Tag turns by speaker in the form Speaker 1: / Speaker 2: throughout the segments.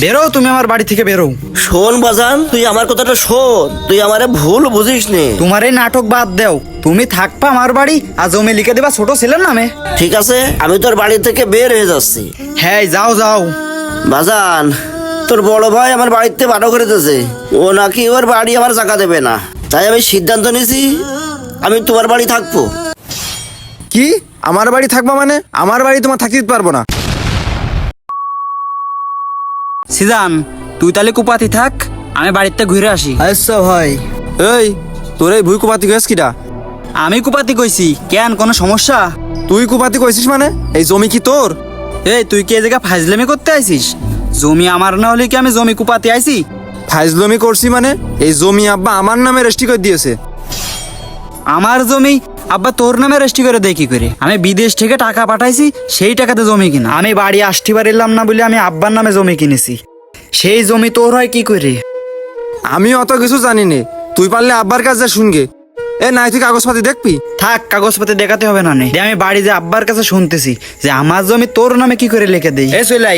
Speaker 1: বেরো, তুমি আমার বাড়ি থেকে বেরো।
Speaker 2: শোন বাজান, তুই আমার কথাটা শোন, তুই আমারে ভুল বুঝিস নে।
Speaker 1: তোমার এই নাটক বাদ দাও, তুমি থাকবা আমার বাড়ি আর জমি লিখে দেবা ছোট ছেলের নামে।
Speaker 2: ঠিক আছে, আমি তোর বাড়ি থেকে বের হয়ে যাচ্ছি।
Speaker 1: হ্যাঁ যাও যাও।
Speaker 2: বাজান, তোর বড় ভাই আমার বাড়িতে বারো করে দিয়েছে, ও নাকি ওর বাড়ি আমার জায়গা দেবে না। তাই আমি সিদ্ধান্ত নিয়েছি আমি তোমার বাড়ি থাকবো।
Speaker 3: কি আমার বাড়ি থাকবা মানে? আমার বাড়ি তোমার থাকতে দিতে পারবো না।
Speaker 1: সিজান, তুই তাহলে কুপাতি থাক, আমি বাড়িতে ঘুরে আসি।
Speaker 3: আচ্ছা ভাই। এই তোর এই ভুই কুপাতি কইস কিটা?
Speaker 1: আমি কুপাতি কইছি, কেন কোনো সমস্যা?
Speaker 3: তুই কুপাতি কইছিস মানে? এই জমি কি তোর?
Speaker 1: এই তুই কি এই জায়গা ফাজলামি করতে আইছিস? জমি আমার না হলে কি আমি জমি কুপাতি আইছি?
Speaker 3: ফাইজলামি করছি মানে? এই জমি আব্বা আমার নামে রেজিস্ট্রি করে দিয়েছে।
Speaker 1: আমার জমি আব্বা তোর নামে রেজিস্ট্রি করে দেয় কি করে? আমি বিদেশ থেকে টাকা পাঠাইছি, সেই টাকাতে জমি কিনা। আমি বাড়ি আসতে পারিলাম না বলে আমি আব্বার নামে জমি কিনেছি, সেই জমি তোর হয় কি করে?
Speaker 3: আমি অত কিছু জানি নে, তুই পারলে আব্বার কাছে শুনগে। এ নাই তুই কাগজপাতি দেখবি?
Speaker 1: থাক, কাগজপত্র দেখাতে হবে না নে। আমি বাড়ি যে আব্বার কাছে শুনতেছি যে আমার জমি তোর নামে কি করে লিখে দেই। এই চলাই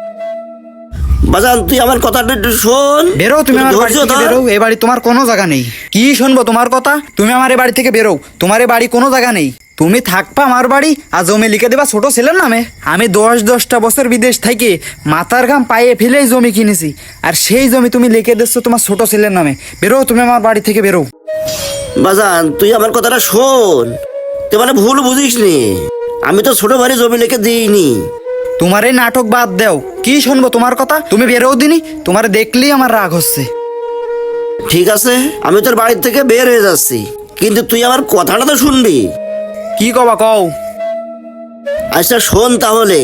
Speaker 2: বাজান, তুই আমার কথাটা একটু শোন।
Speaker 1: বেরো, তুমি আমার বাড়ি
Speaker 2: ধৈর্য
Speaker 1: থেকে
Speaker 2: ধর।
Speaker 1: বেরো, এ বাড়ি তোমার কোনো জায়গা নেই। কি শুনবো তোমার কথা? তুমি আমার এ বাড়ি থেকে বেরো, তোমার এ বাড়ি কোনো জায়গা নেই। তুমি থাকবা আমার বাড়ি আর জমি লিখে দেবা ছোট ছেলের নামে। আমি 10-10টা বছর বিদেশ থেকে মাথার ঘাম পায়ে ফেলেই জমি কিনেছি, আর সেই জমি তুমি লিখে দিচ্ছ তোমার ছোট ছেলের নামে। বেরো, তুমি আমার বাড়ি থেকে বেরো।
Speaker 2: বাজান, তুই আমার কথাটা শোন, তুই মানে ভুল বুঝিস নি। আমি তো ছোট ভাই জমি লিখে দিইনি।
Speaker 1: তোমার এই নাটক বাদ দাও, কি শুনবো তোমার কথা? তুমি বেরো দিনি, তোমার দেখলেই আমার রাগ হচ্ছে।
Speaker 2: ঠিক আছে, আমি তোর বাড়ি থেকে বের হয়ে যাচ্ছি, কিন্তু তুই আমার কথাটা তো শুনবি।
Speaker 1: কি কবা কও?
Speaker 2: আচ্ছা শোন তাহলে।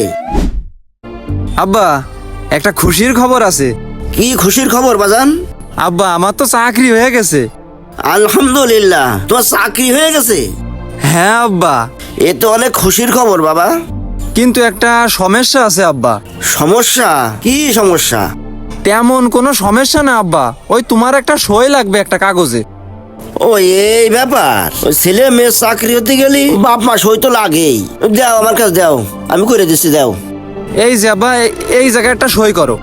Speaker 3: আব্বা, একটা খুশির খবর আছে।
Speaker 2: কি খুশির খবর বাজান?
Speaker 3: আব্বা, আমার তো চাকরি হয়ে গেছে।
Speaker 2: আলহামদুলিল্লাহ, তোমার চাকরি হয়ে গেছে?
Speaker 3: হ্যাঁ আব্বা,
Speaker 2: এ তো অনেক খুশির খবর বাবা।
Speaker 3: কিন্তু একটা সমস্যা আছে আব্বা।
Speaker 2: সমস্যা? কি সমস্যা?
Speaker 3: তেমন কোনো সমস্যা না আব্বা, ওই তোমার একটা সই লাগবে একটা কাগজে।
Speaker 2: ও এই ব্যাপার, ওই ছেলে মেয়ের চাকরি হতে গেলি বাপ মা সই তো লাগেই। দাও আমার কাছে দাও, আমি করে দিচ্ছি, দাও।
Speaker 3: এই যে আব্বা, এই জায়গায় একটা সই করো।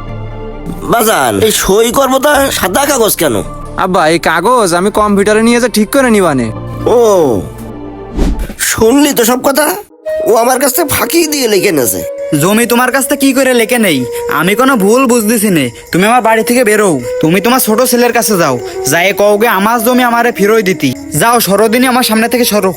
Speaker 2: বাজান, এই সই করবো তা সাদা কাগজ কেন?
Speaker 3: আব্বা, এই কাগজ আমি কম্পিউটারে নিয়ে যা ঠিক করে নিবানে।
Speaker 2: ও, শুনলি তো সব কথা? ও আমার কাছে ফাঁকি দিয়ে লিখে নেছে।
Speaker 1: জমি তোমার কাছ থেকে কি করে লেখে নেই? আমি কোনো ভুল বুঝতেছি নে। তুমি আমার বাড়ি থেকে বেরো, তুমি তোমার ছোট ছেলের কাছে যাও, যাই কওগে আমার জমি আমারে ফিরোই দিতি। যাও, সরোদিনী আমার সামনে থেকে সরো।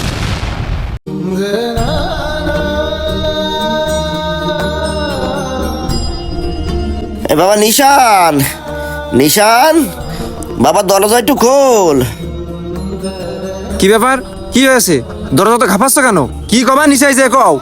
Speaker 2: এ বাবা নিশান, নিশান বাবা, দরজা একটু খোল।
Speaker 3: কি ব্যাপার? কি হয়েছে? দরজা তো ঘাপাচ্ছ কেন? কি কবা নিচাই যে কও।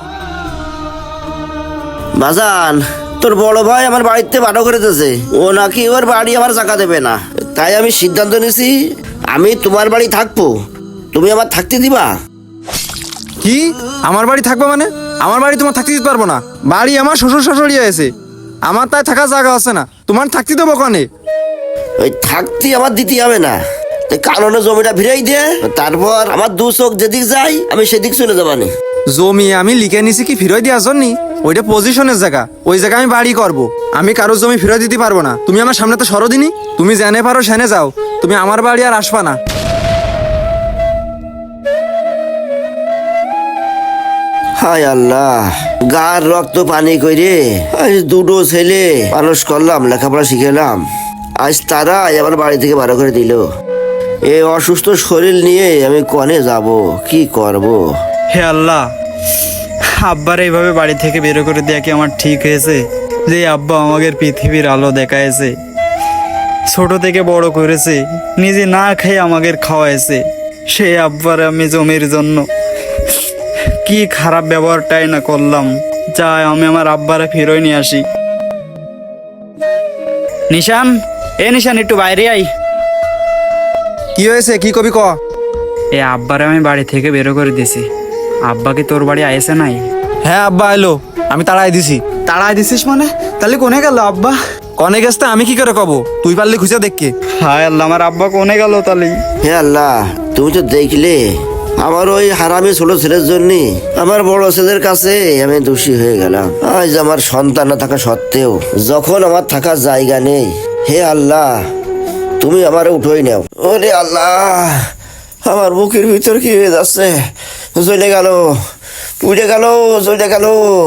Speaker 2: বাজান, তোর বড় ভাই আমার বাড়িতে বারো করে দিয়েছে, ও নাকি ওর বাড়ি আমার জায়গা দেবে না। তাই আমি সিদ্ধান্ত নিয়েছি আমি তোমার বাড়ি থাকবো, তুমি আমার থাকতে দিবা?
Speaker 3: কি আমার বাড়ি থাকবে মানে? আমার বাড়ি তোমার থাকতে দিতে পারবো না। বাড়ি আমার শ্বশুর শাশুড়ি আছে, আমার তাই থাকার জায়গা আছে না, তোমার থাকতে দেবো কনে?
Speaker 2: ওই থাকতে আমার দিতে হবে না, কারণে জমিটা ফিরাই দিয়ে তারপর আমার দু চোখ যেদিক যাই আমি সেদিক চলে যাবানি।
Speaker 3: জমি আমি লিখে নিছি কি ফিরোয় দেওয়ার জন্য? ওইটা পজিশনের জায়গা, ওই জায়গায় আমি বাড়ি করব। আমি কারোর জমি ফিরোয় দিতে পারবো না। তুমি আমার সামনে তো সরোদিনী, তুমি জেনে পারো সেনে যাও, তুমি আমার বাড়ি আর আসবা না।
Speaker 2: হায় আল্লাহ, গার রক্ত পানি কইরে আজ দুটো ছেলে মানুষ করলাম, লেখাপড়া শিখেলাম, আজ তারাই আমার বাড়ি থেকে বারো করে দিল। এই অসুস্থ শরীর নিয়ে আমি কনে যাব, কি করব?
Speaker 1: হে আল্লাহ, আব্বার এইভাবে বাড়ি থেকে বের করে দেয়া কি আমার ঠিক হয়েছে? যে আব্বা আমাদের পৃথিবীর আলো দেখাইছে, ছোট থেকে বড় করেছে, নিজে না খেয়ে আমাদের খাওয়াইছে, সেই আব্বার আমি জমির জন্য কি খারাপ ব্যবহারটাই না করলাম। যাই, আমি আমার আব্বারে ফিরোই নিয়ে আসি। নিশান, এ নিশান, একটু বাইরে আই।
Speaker 3: কি হয়েছে? কি কবি ক।
Speaker 1: এ আব্বারে আমি বাড়ি থেকে বের করে দিছি। আব্বা কি তোর বাড়ি আইসে নাই?
Speaker 3: হ্যাঁ আব্বা এলো, আমি তাড়াই দিছি।
Speaker 1: তাড়াই দিছিস মানে? তাহলে কোনে গেল আব্বা?
Speaker 3: কনে গেছতে আমি কি করে কব? তুই পারলে খুঁজে দেখকে।
Speaker 1: হায় আল্লাহ, আমার আব্বা কোনে গেল তাহলে?
Speaker 2: হে আল্লাহ, তুমি তো দেখলে আমার ওই হারামি ছোট ছেলের জন্য আমার বড় ছেলের কাছে আমি দোষী হয়ে গেলাম। আজ আমার সন্তান না থাকা সত্ত্বেও যখন আমার থাকার জায়গা নেই, হে আল্লাহ তুমি আমার উঠোই নাও। ওরে আল্লাহ, আমার বুকের ভিতর কি হয়ে যাচ্ছে, জ্বলে গেল, পুড়ে গেল, জ্বলে গেল।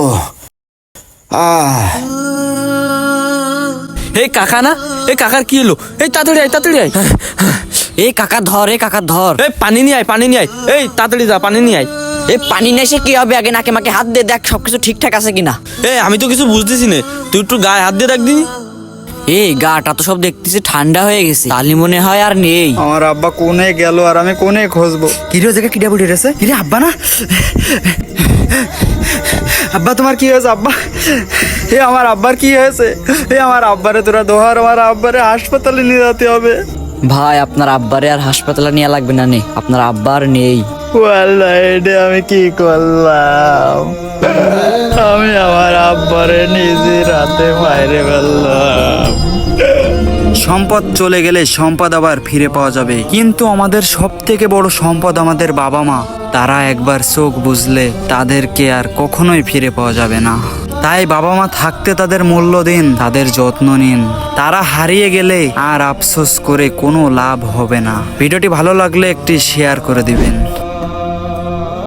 Speaker 4: এই কাকা না, এই কাকার কি হলো? এই তাড়াতাড়ি আয়, তাড়াতাড়ি আয়।
Speaker 5: এই কাকা ধর, এই কাকা ধর।
Speaker 4: এই পানি নিয়ে আয়, পানি নিয়ে আয়। এই তাড়াতাড়ি যা, পানি নিয়ে আয়।
Speaker 5: এই পানি নেই সে কি হবে, আগে নাকে মাকে হাত দিয়ে দেখ সবকিছু ঠিকঠাক আছে কিনা।
Speaker 4: এই আমি তো কিছু বুঝতেছি না, তুই একটু গায়ে হাত দিয়ে রাখ দিনি।
Speaker 5: এই গাটা তো সব দেখতেছি ঠান্ডা হয়ে গেছে, তালি মনে হয় আর নেই।
Speaker 1: আমার আব্বা কোনে গেল আর আমি কোনে খুঁজবো? কিরে জায়গা কিডা বুড়ি রেছে? কিরে আব্বা না? আব্বা তোমার কি হয়েছে আব্বা? এ আমার আব্বার কি হয়েছে? এ আমার আব্বারে তোরা দোহার, আমার আব্বারে হাসপাতালে নিয়ে যেতে হবে।
Speaker 5: ভাই আপনার আব্বারে আর হাসপাতালে নিয়ে লাগবে না, নেই আপনার আব্বার নেই।
Speaker 1: ওয়াল্লাহ এটা আমি কি করলাম? আমি আমার আব্বারে নিজে রাতে মাইরে ফেললাম। সম্পদ চলে গেলে সম্পদ আবার ফিরে পাওয়া যাবে, কিন্তু আমাদের সব থেকে বড় সম্পদ আমাদের বাবা মা। তারা একবার চোখ বুঝলে তাদেরকে আর কখনোই ফিরে পাওয়া যাবে না। তাই বাবা মা থাকতে তাদের মূল্য দিন, তাদের যত্ন নিন। তারা হারিয়ে গেলে আর আফসোস করে কোনো লাভ হবে না। ভিডিওটি ভালো লাগলে একটি শেয়ার করে দিবেন।